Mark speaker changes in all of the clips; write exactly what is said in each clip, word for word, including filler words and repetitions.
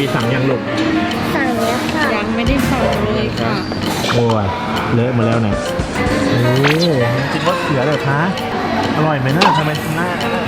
Speaker 1: สั่งยังลูก
Speaker 2: สั่งแล้วค่ะ
Speaker 3: ยังไม่ได้สั่งเลยค่ะ
Speaker 1: โอ้ยเลอะมาแล้วเนี่ยโอ้กินมะเขือเลยคะอร่อยไหมเนอะทำไมหน้าเนี่ย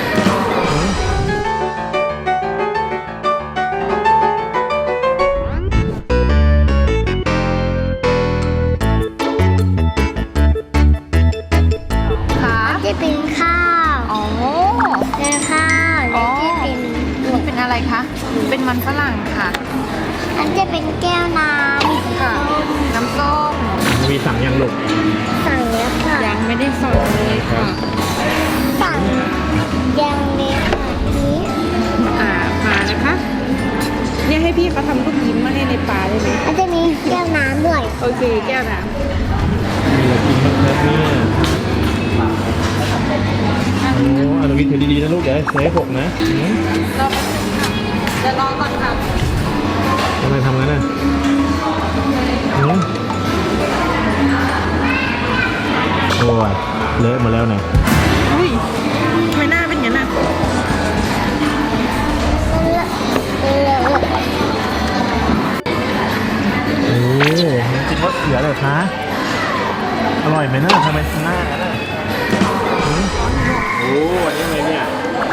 Speaker 2: จะเป็นข้าว
Speaker 3: อ๋อ
Speaker 2: เป็นข้าวแล้วจะเป็น
Speaker 3: มันเป็นอะไรคะ เป็นมันฝรั่งค่ะ
Speaker 2: อันจะเป็นแก้วน้ำ
Speaker 3: ค่ะ น้ำส้ม
Speaker 1: มีสั่งยังลูก
Speaker 2: สั่งแล้วค่ะ
Speaker 3: ยังไม่ได้สั่งเลยค่ะ
Speaker 2: สั่งยังเลยค่ะนี้
Speaker 3: อ่ามานะคะ เนี่ยให้พี่เขาทำลูกยิ้มมาให้ในปลาได้ไหม
Speaker 2: อันจะมีแก้วน้ำด้วย
Speaker 3: โอเคแก้วน้
Speaker 1: มีอะไรกินบ้างครับเนี่ยโอ้อันนี้ถือดีๆนะลูกอย่าให้เสียหกนะอืม
Speaker 3: ำรอแป๊บนึงค่ะเดี๋ยวรอก่อนค่ะ
Speaker 1: ทำไมทำงั้นน่ะอืมโอ้ยเลอะมาแล้วเนี่ย
Speaker 3: อุ้ยทำไมหน้าเป็นอย่างนั้นน่ะ
Speaker 2: เออ
Speaker 1: โอ้กินมะเขือเลยคะอร่อยไหมเนอะทำไมหน้าเนี่ยอืมโอ้อันนี้อะไรเนี่ย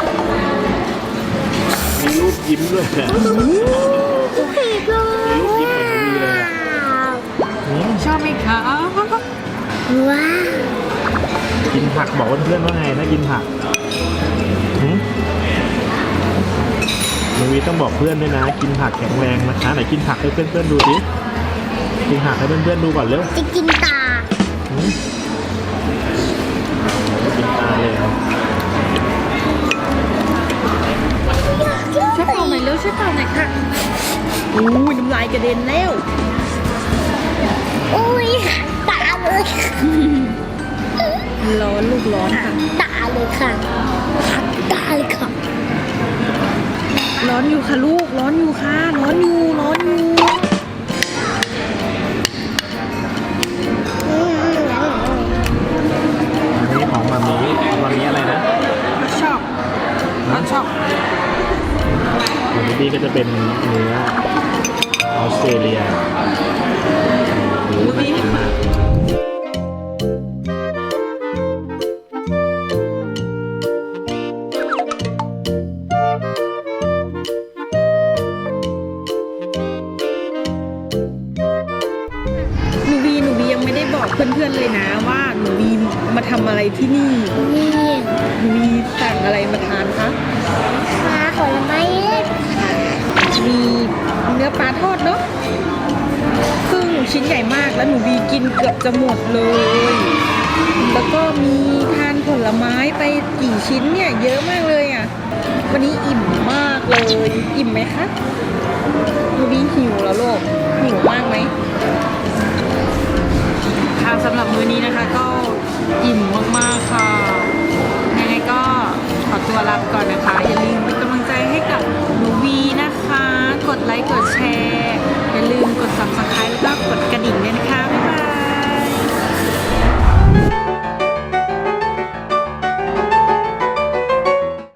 Speaker 1: มีรูปยิ้มด้วยเนี่ย
Speaker 2: พี่ก็
Speaker 1: มีรูปยิ้มเหมือนมีเลยอะอืม
Speaker 3: ชอบไหมคะ
Speaker 2: ว้าว
Speaker 1: กินผักบอกเพื่อนๆว่าไงนะกินผักหืมน้องวีต้องบอกเพื่อนด้วยนะ กินผักแข็งแรงนะคะไหนกินผักให้เพื่อนๆดูสิกินผักให้เพื่อนๆดูก่อนเร็ว
Speaker 2: จะกินตา
Speaker 1: หืมกินตาเลยเหรอ
Speaker 3: ช่วยเป่าหน่อยเร็วช่วยเป่าหน่อยค่ะอุ้ยน้ำลายกระเด็นแล้ว
Speaker 2: อุ้ยตาเลย
Speaker 3: ร้อนลูกร้อนค่ะ
Speaker 2: ตาเลยค่ะตาเลยค่ะ
Speaker 3: ร้อนอยู่ค่ะลูก ร้อนอยู่ค่ะ ร้อนอยู่ ร้อนอยู่
Speaker 2: อืม
Speaker 1: อันนี้ของมามีมามีอะไรนะ
Speaker 3: ชอบร้อนชอบ
Speaker 1: ของดีก็จะเป็นเนื้อออสเตรเลียโอ้โหน่ากินมาก
Speaker 3: หนูบีหนูบียังไม่ได้บอกเพื่อนๆเลยนะว่าหนูบีมาทำอะไรที่นี่
Speaker 2: นี่
Speaker 3: หนูบีสั่งอะไรมาทานคะ
Speaker 2: ปลาผลไม้เล็กค่ะ
Speaker 3: มีเนื้อปลาทอดเนาะซึ่งชิ้นใหญ่มากแล้วหนูบีกินเกือบจะหมดเลย แล้วก็มีทานผลไม้ไปกี่ชิ้นเนี่ยเยอะมากเลยอ่ะ วันนี้อิ่มมากเลย อิ่มไหมคะหนูบีหิวแล้วโลกหิวมากไหมค่ะสำหรับมื้อนี้นะคะก็อิ่มมากๆค่ะยังไงก็ขอตัวลาไปก่อนนะคะอย่าลืม